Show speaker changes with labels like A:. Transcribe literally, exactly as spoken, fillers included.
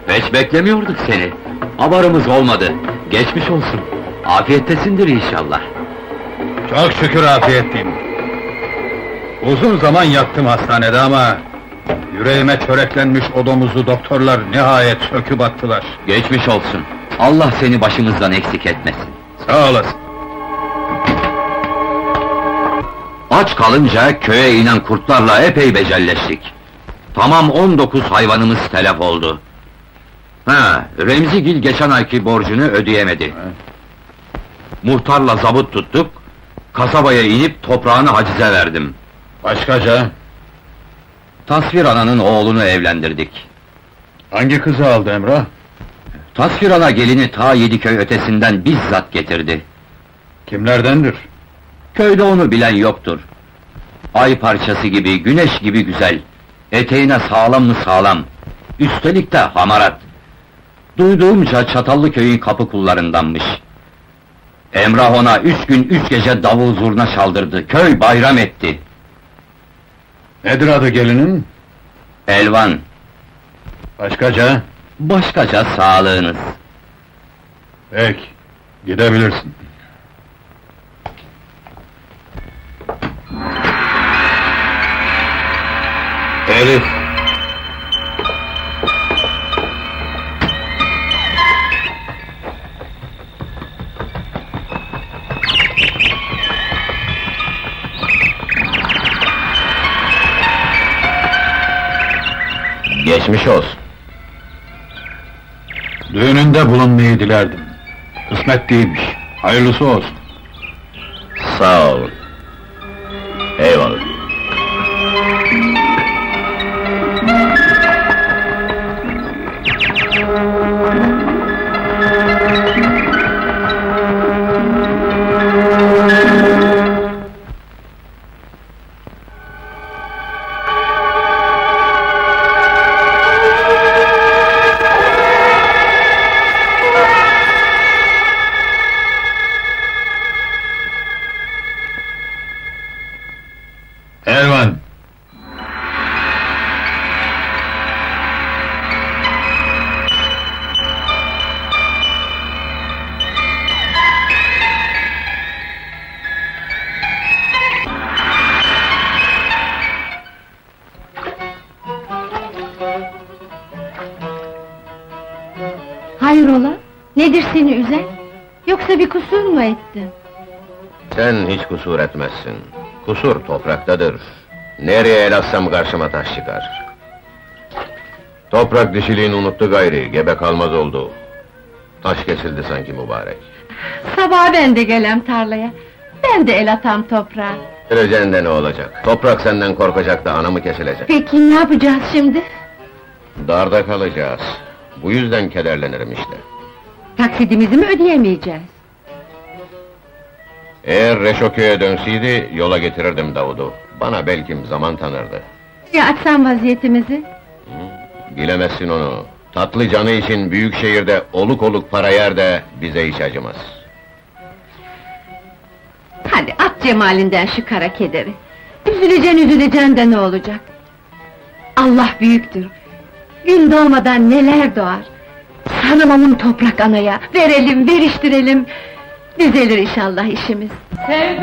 A: Hiç beklemiyorduk seni. Haberimiz olmadı. Geçmiş olsun. Afiyettesindir inşallah.
B: Çok şükür afiyetliyim. Uzun zaman yattım hastanede ama... ...yüreğime çöreklenmiş o domuzu doktorlar nihayet söküp attılar.
A: Geçmiş olsun. Allah seni başımızdan eksik etmesin.
B: Sağ olasın.
A: Aç kalınca köye inen kurtlarla epey becelleştik. Tamam on dokuz hayvanımız telef oldu. Ha, Remzigil geçen ayki borcunu ödeyemedi. Muhtarla zabıt tuttuk, kasabaya inip toprağını hacize verdim.
B: Başkaca?
A: Tasvir ananın oğlunu evlendirdik.
B: Hangi kızı aldı Emrah?
A: Tasvir ana gelini ta Yediköy ötesinden bizzat getirdi.
B: Kimlerdendir?
A: Köyde onu bilen yoktur. Ay parçası gibi, güneş gibi güzel. Eteğine sağlam mı sağlam. Üstelik de hamarat. Duyduğumca Çatallıköy'ün kapı kullarındanmış. Emrah ona üç gün üç gece davul zurna çaldırdı, köy bayram etti.
B: Nedir adı gelinin?
A: Elvan,
B: Başkaca?
A: başkaca sağlığınız.
B: Peki, gidebilirsin.
A: Elif! Geçmiş olsun.
B: Düğününde bulunmayı dilerdim. Kısmet değilmiş. Hayırlısı olsun.
A: Sağ olun. Eyvallah.
B: Elvan!
C: Hayrola? Nedir seni üzen? Yoksa bir kusur mu ettin?
D: Sen hiç kusur etmezsin. Kusur topraktadır. Nereye el atsam karşıma taş çıkar. Toprak dişiliğini unuttu gayri, gebe kalmaz oldu. Taş kesildi sanki mübarek.
C: Sabah ben de gelem tarlaya. Ben de el atam toprağa.
D: Öleceğin de ne olacak? Toprak senden korkacak da anamı kesilecek.
C: Peki ne yapacağız şimdi?
D: Darda kalacağız. Bu yüzden kederlenirim işte.
C: Taksidimizi mi ödeyemeyeceğiz?
D: Eğer Reşoköy'e dönseydi, yola getirirdim Davud'u. Bana belkim zaman tanırdı.
C: Ya açsam vaziyetimizi?
D: Bilemezsin onu. Tatlı canı için büyük şehirde oluk oluk para yer de bize hiç acımaz.
C: Hadi at cemalinden şu kara kederi. Üzüleceksin üzüleceksin de ne olacak? Allah büyüktür. Gün doğmadan neler doğar. Sarılalım toprak anaya, verelim, veriştirelim. Düzelir inşallah işimiz.